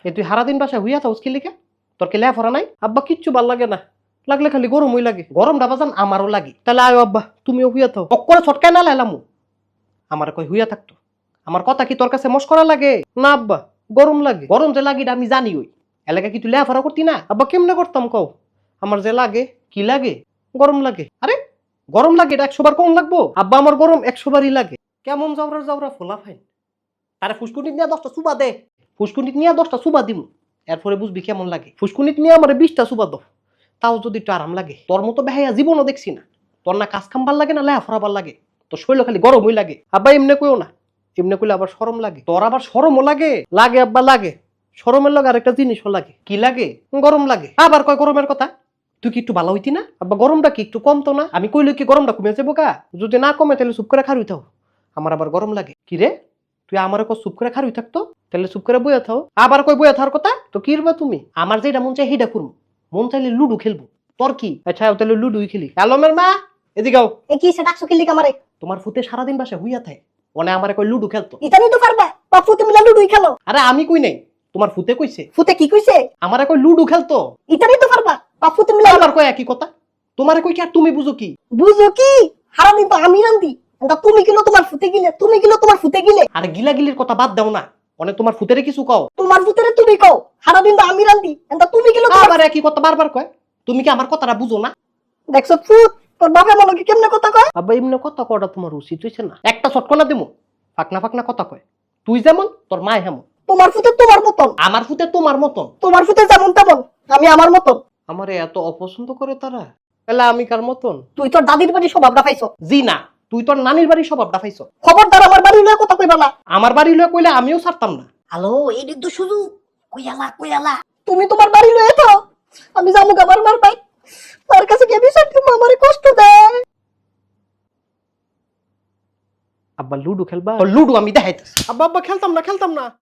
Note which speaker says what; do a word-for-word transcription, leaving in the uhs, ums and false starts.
Speaker 1: এ তুই সারাদিন বাসায় হুইয়া থাকস কি লিখে? তোর কি লেফরা নাই? আব্বা কিচ্ছু ভাল লাগে না, লাগলে খালি গরমই লাগে। গরমটা বাজান আমারও লাগে। তাহলে আয় আব্বা তুমিও হুইয়া থাও। অক্করে ছটকায় না লাইলামু। আমার কই হুইয়া থাকতো। আমার কথা কি তোর কাছে মস্করা লাগে? না আব্বা গরম লাগে। গরম যে লাগে এটা আমি জানি। ওই এলাকা কি তুই লেফারা করতি না? আব্বা কেমনে করতাম কও? আমার যে লাগে কি লাগে? গরম লাগে। আরে গরম লাগে এটা একশো বার কম লাগবো? আব্বা আমার গরম একশো বারই লাগে। কেমন যাওরা যাওরা ফোলা ফাইন। তারে ফুসকুনিত নিয়ে দশটা সুবা দে। ফুসকুনিত নিয়ে দশটা সুবা দিমু, এরপরে বুঝবি কেমন লাগে। ফুসকুনিত নিয়ে আমার বিশটা সুবা দাও, তাও যদি একটু আরাম লাগে। তোর মতো বেহাইয়া জীবনও দেখছি না। তোর না কাজ কাম ভাল লাগে না লেহা ফরাবার লাগে, তোর শরীর খালি গরমই লাগে। আব্বা এমনি কইও না, এমনি কইলে আবার শরম লাগে। তোর আবার শরমও লাগে? লাগে আব্বা লাগে। শরমের লগে আরেকটা জিনিসও লাগে। কি লাগে? গরম লাগে। আবার কয় গরমের কথা। তুই কি একটু ভালো হইতি না? আব্বা গরমটা কি একটু কমতো না? আমি কইলে কি গরমটা কমে যাবো কা? যদি না কমে তাহলে চুপ করে খারুই থাও। আমার আবার গরম লাগে। কি রে তুই আমার কো চুপ করে খারুই থাকতো? তাহলে চুপ করে বইয়া থাও। আবার কই বইয়া থাকার কথা? তো কি রবা তুমি? আমার যেটা মন চাই সেইটা করবো। মন চাইলে লুডু খেলবো। তোর কি? আচ্ছা তাহলে লুডুই খেলি। আলমের মা এদিকে আও।
Speaker 2: এ কি সেটা ডাকছো কিল্লি আমারে?
Speaker 1: তোমার ফুতে সারাদিন বাসা হুইয়া থাকে, ওনে আমারে কই লুডু খেলতো।
Speaker 2: ইতানি তো পারবা, বাপু তুমি লুডুই খেলো।
Speaker 1: আরে আমি কই নাই, তোমার ফুতে কইছে।
Speaker 2: ফুতে কি কইছে?
Speaker 1: আমারে কই লুডু খেলতো।
Speaker 2: ইতানি তো পারবা, বাপু তুমি
Speaker 1: আবার কই একই কথা। তোমারে কই কি আর তুমি বুঝো কি?
Speaker 2: বুঝো কি? সারাদিন তো আমি রান্দি, এটা তুমি কিলো তোমার ফুতে গিলে, তুমি কিলো তোমার ফুতে গিলে।
Speaker 1: আরে গিলাগিলির কথা বাদ দাও না, অনেক তোমার ফুতেরে কিছু কও।
Speaker 2: তোমার ফুতেরে তুমি কও, সারাদিন তো আমি রান্দি, এটা তুমি কিলো তোমার।
Speaker 1: আবার একই কথা বারবার কয়। তুমি কি আমার কথাটা বুঝো না?
Speaker 2: দেখছো ফুট, তোর বাপে মনে কি কেমনে কথা কয়?
Speaker 1: আব্বা এমনি কথা কটা তোমার উচিত হইছে না? একটা ছটকনা দিমু, ফাকনা ফাকনা কথা কয়। তুই যেমন তোর মা হেমন।
Speaker 2: তোমার ফুতে তোমার মতন,
Speaker 1: আমার ফুতে তোমার মতন।
Speaker 2: তোমার ফুতে যেমন তেমন, আমি আমার মতন।
Speaker 1: আমারে এত অপছন্দ করে তারা, তাহলে আমি কার মতন?
Speaker 2: তুই তোর দাদির বাড়ি স্বভাবটা পাইছো।
Speaker 1: জি না, তুই তোর নানির বাড়ি স্বভাবটা পাইছো।
Speaker 2: খবরদার আমার বাড়ি লয়ে কথা কইবা না।
Speaker 1: আমার বাড়ি লয়ে কইলে আমিও ছাড়তাম না।
Speaker 2: হ্যালো, এই তো সুযোগ। কইয়ালা কইয়ালা তুমি তোমার বাড়ি লয়ে তো, আমি জামু আমার মার পাই। তার কাছে গিয়ে বিষয় তুমি আমারে কষ্ট দেয়।
Speaker 1: আব্বা লুডু খেলবা? লুডু আমি দেখাইতেছি। আব্বা আব্বা খেলতাম না খেলতাম না।